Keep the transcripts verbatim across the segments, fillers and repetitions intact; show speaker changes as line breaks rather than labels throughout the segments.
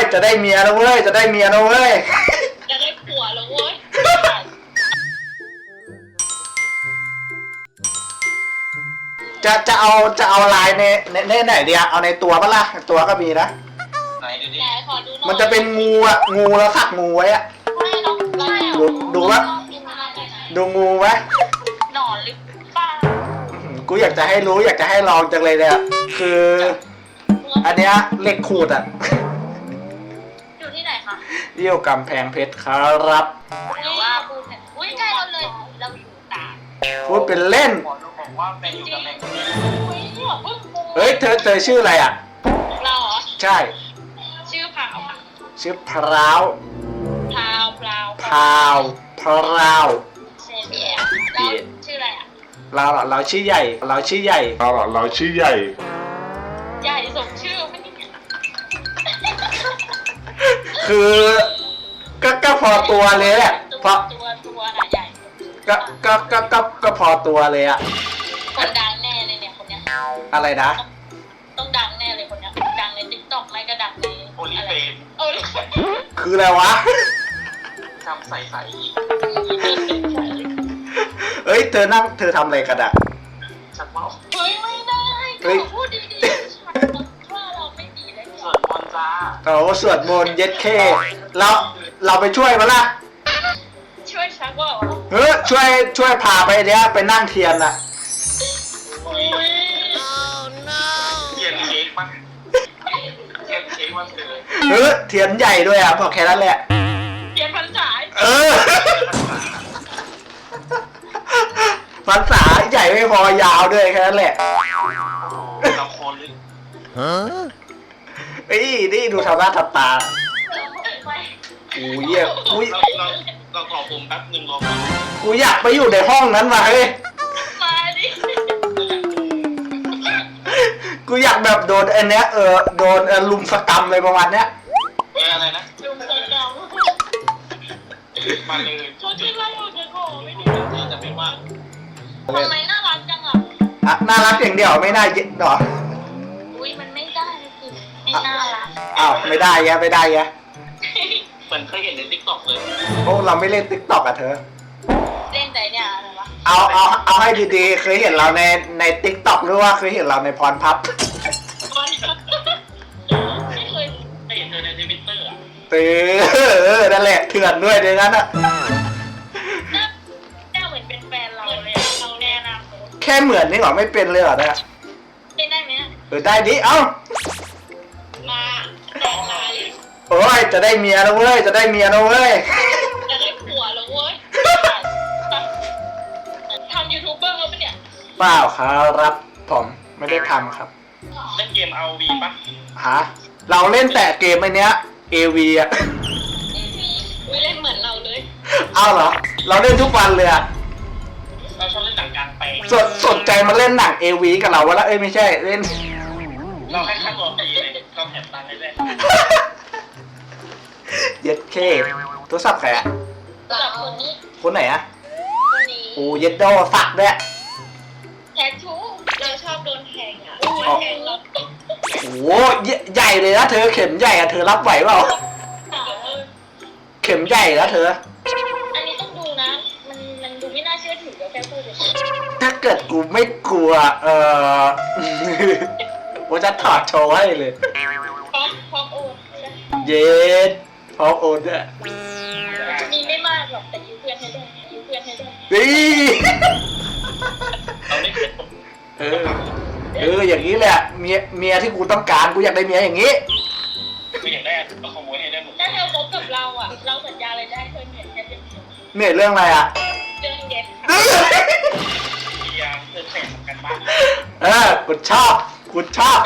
จะได้เมียแล้วเว้ยจะได้เมียแล้วเว้ย
จะได้ผัวแล้วเว้ย
จะจะเอาจะเอาลายในในในไหนดีอะเอาในตัวปะล่ะตัวก็มีนะ
ไหนดูดิ
ขอดูหน่อย
มันจะเป็นงูอะงูแล้วสักงูไว้อะดูดูว่าดูงูไหม
หนอนหรือเปล่า
กูอยากจะให้รู้อยากจะให้ลองจังเลยเนี่ยคืออันเนี้ยเหล็กขูดอะ
อยู่ที่ไหนคะ
เยี่ยวกำแพงเพชรครับ
หรือว่าพูดเนี่ยอุ้ยใกล้เราเลยเราอยู่ตา
พูดเป็นเล่น
บอกว่าเป็นอยู่กับแมงมุม
เฮ้ยเธอเธอชื่ออะไรอะ
เราเหรอ
ใช่
ชื่อพาวค่ะ
ชื่อพราว
พาวพราว
พาวพราว
เซเบียเราชื่ออะไรอะ
เราเราชื่อใหญ่เราชื่อใหญ่
เราเราชื่อใหญ่
ใหญ่สมชื่อไม่ได้
คือก็ก็พอตัวเลยแหละพอ
ตัวตัวน่ะใหญ่
ก็ก็ก็ก็ก็พอตัวเลยอะ
คนดังแน่เลยเนี่ยคนเนี้ย
อะไรนะ
ต้องดังแน่เลยคนเนี้ยดังในติ๊กต็อกไม่ก็ดังใน
โอลิเฟน
โอลิเฟน
คืออะไรวะ
ทำใส่ใส่
เฮ้ยเธอนั่งเธอทำอะไรกันอะ
ชักเมา
เฮ้ยไม่ได้ก็พูดดีๆฉันว่าเราไม่ดีเลย
สวดมนต์จ้า
โอ้สวดมนต์เย็ดเคเราเราไปช่วยมั้ยล่ะ
ช่วยชักว่า
เฮ้ยช่วยช่วยพาไปเนี้ยไปนั่งเทียนอะ
เทียนเค้กมั้งเทียนเค้กมั้งเลย
เฮ้ยเทียนใหญ่ด้วยอะบอกแค่นั้นแหละ
เทียนพรรษา
เออพรรษาใหญ่ไม่พอยาวด้วยแค่นั้นแหละ
เราโคนเลย
ฮะเอ้ยนี่ดูทำหน้าทำตากูเยี่ยกู
เราเราเราขอผมแป๊บนึงรอ
กูอยากไปอยู่ในห้องนั้นมาเฮ้ย
มาดิ
กูอยากแบบโดนอันเนี้ยเออโดนลุมสกรรมเลยประมาณเนี้ย
อะไรนะ
ลุมสกรรม
มาเลย
ชุดที่ไล่ออกจากห้องไม่ดี
ที่จะเป็นว่า
ทำไมน่ารักจังอ่ะ
อ่ะน่ารักอย่างเดียวไม่น่าเย็ดหรอ
อุ้ยมันไม่ได้คือไม่น่ารัก
อ้าวไม่ได้แยไม่ได้แย
เหมือนเคยเห็นในติ๊กต็อกเลย
โอ้เราไม่เล่นติ๊กต็อกอะเธอ
เล่นแต่เนี่ยอะไรวะ
เอาเอาเอาให้ดีๆเคยเห็นเราในในติ๊กต็อกหรือว่าเคยเห็นเราในพรพับ
ไม่เคย
เห็นเธอในทวิตเตอร์อะ
เออนั่นแหละเถื่อนด้วยในนั้นอะ
หน้าเหมือนเป็นแฟนเราเลยเราแน่นะ
แค่เหมือนนี่หรอไม่เป็นเลยเหรอเนี่ย
เป็นได้ไหม
เออได้ดิเอ้า
มาแต่งงาน
โอ้ยจะได้เมียแล้วเว้ยจะได้เมียแล้วเว้ย
จะได้ผัวแล้วเว้ยทำยูทูบเบอร์ปะเนี่ย
เปล่าครับผมไม่ได้ทำครับ
เล่นเกม อาร์ โอ วี ปะ
ฮะเราเล่นแต่เกมไอ้เนี้ย เอ วี อะ
ไม่เล่นเหมือนเราเลย
เอาเหรอเราเล่นทุกวันเลยอะ
เราชอบเล่นหนังกลางแปลง
สนสนใจมาเล่นหนัง เอ วี กับเราวะละเอ้ยไม่ใช่เล่น
เราให้ค่าตัวฟรีเลยเราแถมตังค์ให้เลย
เย็ดเคโทรศัพท์ใครอะ
คนนี้
คนไหนอะ
คนนี้
โอ้เย็ดโดสักด้วย
แททูเราชอบโดนแทงอ่ะแทงเรา
โอ้ใหญ่เลยนะเธอเข็มใหญ่อะเธอรับไหวเปล่าเข็มใหญ่แล้วเธอ
อันนี้ต้องดูนะมันมันดูไม่น่าเชื่อถือแค่พูดเฉย
ถ้าเกิดกูไม่กลัวเออกูจะถอดโชว์ให้เลย
พร้อมพร้อมโอน
เย็ดพร้อมโอนด้วย
มีไม่มากหรอกแต่ยืมเพื่อนให้ได้ยืมเพื่อนให้ได้
เออเอออย่างนี้แหละเมียเมียที่กูต้องการกูอยากได้เมียอย่างนี้
กูอยากได้เราขโมยให้ได้หมด
ถ้าเธอคบกับเราอ่ะเราสัญญาอะไรได้เธอเหนื่อยแค่เรื่อง
เหนื่อยเรื่องอะไรอ่ะ
เรื่องเย็น
พยายามเธอแข่งกันบ้าง
เออกูชอบกูชอบ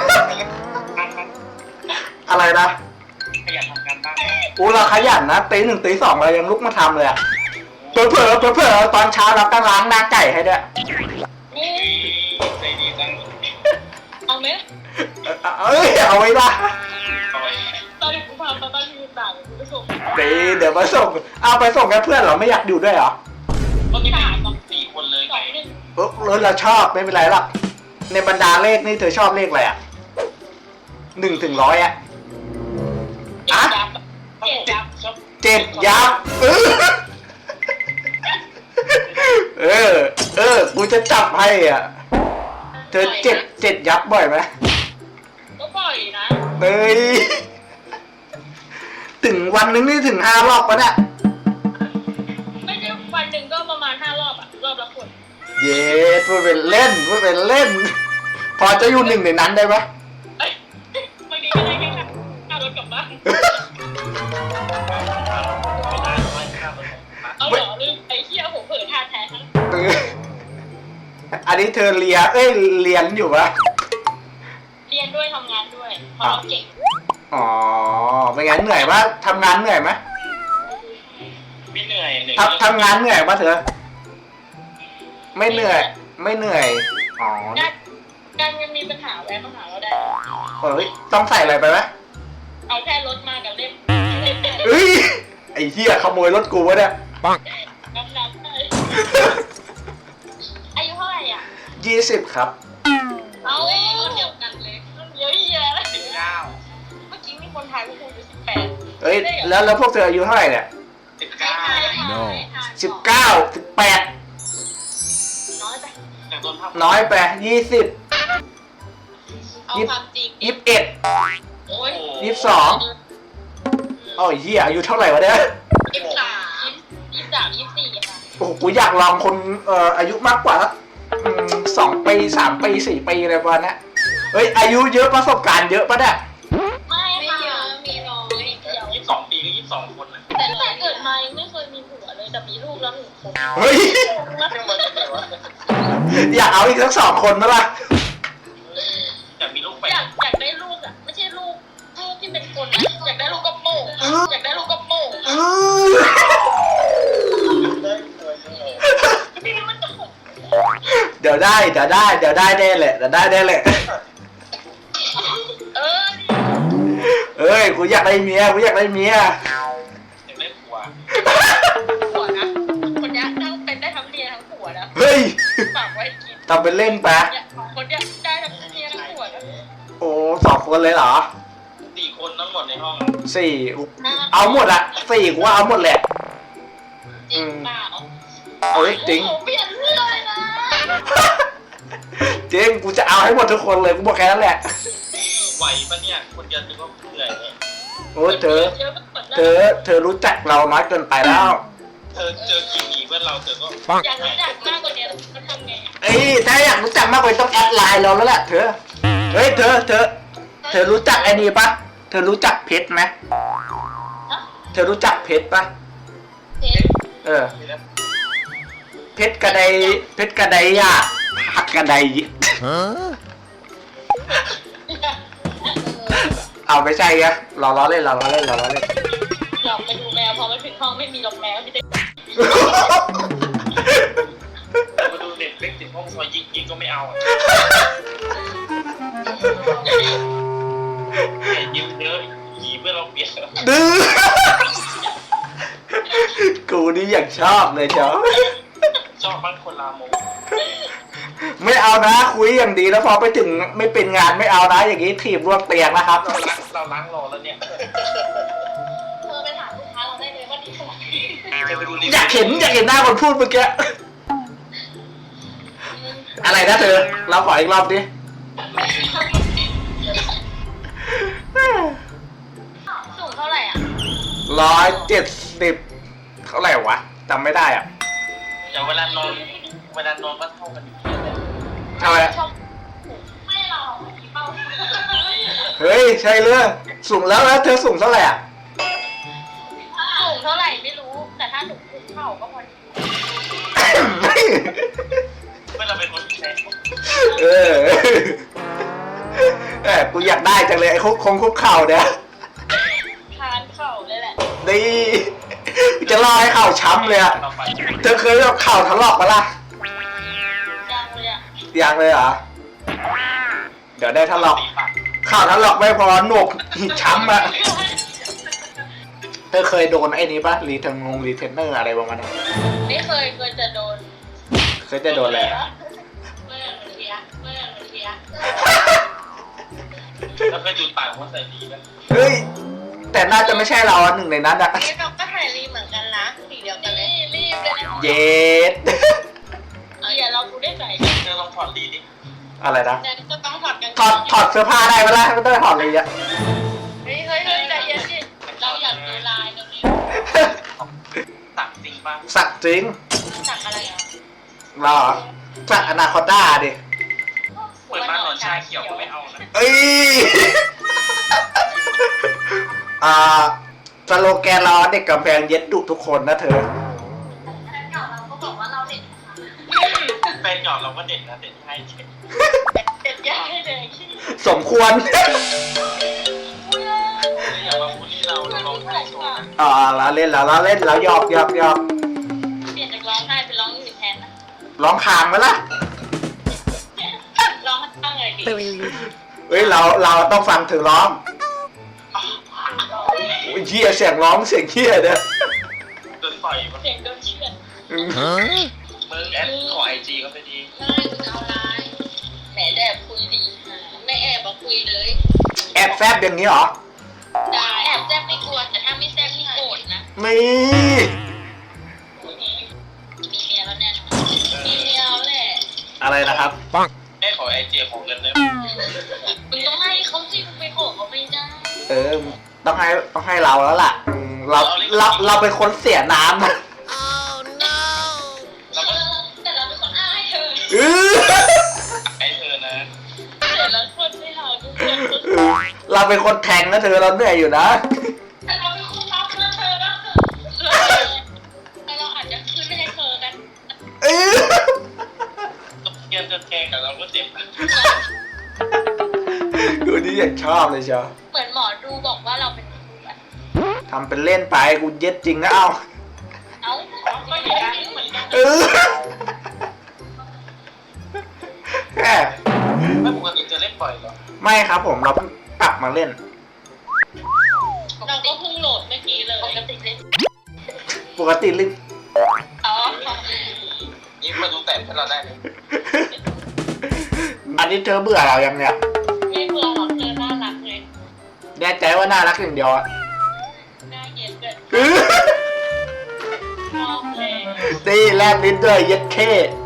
อะไรนะ
ขยันทำกันบ้าง
กูเราขยันนะตีหนึ่งตีสองเรายังลุกมาทำเลยอ่ะเผลอเผลอเผลอเผลอตอนเช้าเราก็ล้างหน้าไก่ให้ด้วย
ใจดีจัง
เอาไหม
เอ้ยเอาไว้ละ
ตอนนี้กูพาไปบ้านที่ต่างกูไปส่ง
ตีเดี๋ยวมาส่งเอาไปส่งแค่เพื่อนเหรอไม่อยากอยู่ด้วยเหรอ
ก็มีหาต้องสี่คนเลยไง
เออเราชอบไม่เป็นไรหรอกในบรรดาเลขนี่เธอชอบเลขอะไรอ่ะหนึ่งถึงร้อยอ่ะเจ็ดยับเออเออเออกูจะจับให้อ่ะเธอเจ็ดเจ็ดยับบ่อยไหม
ก็บ่อยนะ
เฮ้ยถึงวันนึงนี่ถึงห้ารอบปะเนี่ย
ไม่ใช่วันหนึ่งก็ประมาณห้ารอบอะรอบละคน
เย้พูดเป็นเล่นพูดเป็นเล่น พอจะอยู่หนึ่งในนั้นได้ไหม
เอ้ยบางทีก็ได้แค่ค่ารถกลับบ้านเอาเหรอลืมไอ้เหี้ยผมเผลอทานแทนทั้ง
เอออันนี้เธอเรียนเอ้ยเรียนอยู่ปะ
เรียนด้วยทำงานด้วยเพราะเราเก่ง
อ๋อเป็นไงเหนื่อยปะทำงานเหนื่อยไหม
ไม่เหนื่อยหนึ่ง
ทำทำงานเหนื่อยปะเธอ ไม่เหนื่อย ไม่เหนื่อย อ๋อ
การการเงินมีปัญหาแวะมาหาเราได้
เฮ้ยต้องใส่อะไรไปไหม
เอาแค่รถมากับเล่ม
เฮ้ยไอ้เหี้ยขโมยรถกูวะเนี่ย
น้ำน้ำได้อายุเท่าไหร่อ่ะ
ยี่สิบครับ
เอาคนเดียวกันเลยเยอะแยะ
สิบเก้า
เมื่อกี้มีคนทายว่าคุณอายุสิบแปด
เฮ้ยแล้วแล้วพวกเธออายุเท่าไหร่เนี่ย
สิบ
ใช่
เก้า
ใช่ใช่
สิบเก้าสิบแปด
น้อยไป
แต่ต้นภาพ
น้อยไปยี่สิบ
เอาความจริง
ยี่สิบเอ็ด
โอ้ย
ยี่สิบสองโอ้ยเหี้ยอายุเท่าไหร่วะเนี่ย
ยี่สิบสามยี่สิบสามยี่สิบสี่ค่ะ
โอ้โหกูอยากลองคนเอ่ออายุมากกว่าสักอืมสองปีสามปีสี่ปีอะไรประมาณเนี้ยเฮ้ยอายุเยอะประสบการณ์เยอะปะเนี่ย
ไม่ไม่เยอะมีน้อยเดียว
ยี่สิบสองปีก็ยี่สิบสองคนนะ
แต่ตั้งแต่เกิดมายังไม่เคยมีผัวเลยแต่มีลูกแล้วหนึ่งคน
เฮ้ย
เรื่องมันจะไหนวะ
อยากเอาอีกสักสองคนไหมล่ะ
อยากมีลูกไป
อยากอยากได้ลูกอ่ะไม่ใช่ลูกลูกที่เป็นคนนะอยากได้ลูกกระโปงอยากได้ลูกกระโปง
เออ
พี่มันจะหก
เดี๋ยวได้เดี๋ยวได้เดี๋ยวได้แน่แหละเดี๋ยวได้แน่แหละ
เออ
เอ้ยกูอยากได้เมียกูอยากได้เมีย
อยากได้ผัว
ผัวนะคนนี้ทั้งเป็นได้ทั้งเมียทั้งผัวนะ
เฮ้ย
ฝากไว้กิน
ทำเป็นเล่นไป
เนี่ยคนเนี้ยได้ทั้งเมียทั้งผัวนะ
โอ้สองคนเลยเหรอ
สี่คนทั้งหมดในห้อง
สี่เอาหมดอะสี่กูว่าเอาหมดแหละ
จริงเปล่า
เอ้ยจริง
โอ้โหเปลี่ยนเรื่องเลยนะ
จริงกูจะเอาให้หมดทุกคนเลยกูบอกแค่นั้นแหละ
ไหวปะเนี่ยคนเดียวนึกว่าเหนื่อยเลย
โอ้ยเธอ
เยอะไปหมด
เธอเธอรู้จักเราน้อยเกินไปแล้ว
เธอเจอกี่ปีเพื่อนเราเธอก็
อยากรู้จักมากกว่านี้มันทำไงอะ
เอ้ยถ้าอยากรู้จักมากกว่านี้ต้องแอดไลน์เราแล้วแหละเธอเฮ้ยเธอเธอ เธอรู้จักไอ้นี่ปะเธอรู้จักเพชรไหม
ฮะ
เธอรู้จักเพชรปะ
เห็น
เออ เพชรกระไดเพชรกระไดยากหักกระไดเอาไม่ใช่ไงเราล้อเล่นเราล้อเล่นเราล้อเล่น
หลอกไปดูแมวพอมาถึงห้องไม่มีหลอกแมวมีแต่
มาดูเน็ตเล็กติดห้องซอยยิงยิงก็ไม่เอาอ่ะยิงเยอะหีเพื่อนเราเปลี่ยน
ดื้อกูนี่อยากชอบเลยเจ้า
ชอบบ้านคนลามง
ไม่เอานะคุยอย่างดีแล้วพอไปถึงไม่เป็นงานไม่เอานะอย่างนี้ถีบร่วงเตียงนะครับ
เราล้างเราล้างรอแล้วเนี่ย
เธอไปถามลูกค้าเราได้เลยว่าดีขนาดไหน
จะไปดูรี
อยากเห็นอยากเห็นหน้าคนพูดเมื่อกี้อะไรนะเธอเราขออีกรอบดิ
สูงเท่าไหร่อ่ะ
ร้อยเจ็ดสิบเท่าไหร่วะจำไม่ได้อ่ะ
เดี๋ยวเวลานอนเวลานอนก็เท่ากัน
ทำไม
ชอบไม่เราผีเป้า
เฮ้ยใช่เรื่องสูงแล้วแล้วเธอสูงเท่าไหร่อ่ะ
สูงเท่าไหร่ไม่รู้แต่ถ้าหนูคุกเข่าก็พอดี
เมื่อเราเป็นคนแพ้
เออแหมกูอยากได้จังเลยไอ้คุกคงคุกเข่าเนี่ย
ทานเข่าเลยแหละ
ดีจะรอให้เข่าช้ำเลยอ่ะ
เราไป
เธอเคยเอาเข่าถลอกมาล่ะ
ยังเลยอ่ะ
ยังเลยเหรอเดี๋ยวได้ถลอก
ตีปาก
เข่าถลอกไม่พอหนวกช้ำอ่ะเธอเคยโดนไอ้นี้ปะรีเทนงรีเทนเนอร์อะไรประมาณนั้น
ไม่เคยเคยจะโดน
เคยจะโดนอะไร
เมื่อมันเทียเมื่อมันเทีย
แล้วเคยดูดปากว่าใส่ดีไหม
เฮ้ยแต่น่าจะไม่ใช่เราอะหนึ่งในนั้นอะ
นี่เราก็ท
เย็ด
เดี๋ยวเรากูได้ใส่
เธอลองถอดดีดิ
อะไรนะ
แต่ก็ต้องถอดกัน
ถอดถอดเสื้อผ้าได้ไหมล่ะไม่ต้องถอดเลยอะ
เฮ้ยเฮ้ยเฮ้ยใจเย็นสิเราอยากดูลายตรงนี้
ตักจริงป่ะ
สักจริง
สักอะไรอ่ะ
เหรอสักอนาคอนด้าดิ
เปิดบ้านนอนชาเขียวก็ไม่เอานะ
เอ้ย อ่าสโลแกนเราเด็กกำแพงเย็ดดุทุกคนนะเธอ
เราก็บอกว่าเราเด็ด
แฟนหยอดเราก็เด็ดนะเด็ดให้เช็ด
เด็ดยากให้เลยขี้
สมควร
อย่ามาพูดที่เราเราลองให้โชว์นะ
อ่าเราเล่นแล้วเราเล่นแล้วหยอกหยอกหยอก
เปลี่ยนจากร้องไห้เป็นร้องอื่นแทนนะ
ร้องคางไหมล่ะ
ร้องข้างไงดิ
เฮ้ยเราเราต้องฟังถึงร้องโอ้ยเฮียเสียงร้องเสียงเฮียเนี่ย
โดนปล่อยมัน
เสียงโดนเชือด
อืม
มึงแอดขอไอจีเขาไปดี
ไม่เอาไลน์แหมแอบคุยดีไม่แอบมาคุยเลย
แอบแฟบอย่างนี้เหรอ
ได้แอบแซบไม่กลัวแต่ถ้าไม่แซบนี่โกรธนะ
มี
มีเมียแล้วแน่มีเมียแล้วแหละ
อะไรนะครับ
แม่ขอไอจีของเงินเลย
มึงต้องให้เขาสิมึงไปขอเขาไม่ได้
เออต้องให้ต้องให้เราแล้วล่ะอืมเราเราเราเป็นคนเสียน้ำนะ
เราก็
แต่เราเป็นคนอ้ายเธอ
อื้อ
ไอเธอนะ
แต่ละคนไม่เอาทุกคน
เราเป็นคนแทงนะเธอเราเหนื่อยอยู่นะ
แต่เราเป็นคนรักนะเธอรักเธอแต่เราอาจจะขึ้นให้เธอกัน
อื้อ
เกียนจะแทงกับเราก็เจ็บนะ
ดูนี่อยากชอบเลยเชียว
เหมือนหมอดูบอกว่าเราเป็นคู่กัน
ทำเป็นเล่นไปกูเย็ดจริงนะเอา
เอ้าก็อย่างนี้เหมือนกัน
เออแค่
ไม่ปกติจะเล่นบ่อยเหรอ
ไม่ครับผมเราเพิ่งกลับมาเล่น
เราก็เพิ่งโหลดเมื่อกี้เลยปกติเล่น
ปกติเล่น
อ๋อ
นี่มาดูแต่ให้เราได้เลย
อันนี้เธอเบื่อเรายังเนี่ย
ไม่เบื่อหรอกเธอน่ารักเลย
แน่ใจว่าน่ารักอย่างเดียวอะ
หน้าเย็นเกิน
อื้อ
ชอบเลย
ตีแลบลิ้นด้วยเย็ดเข้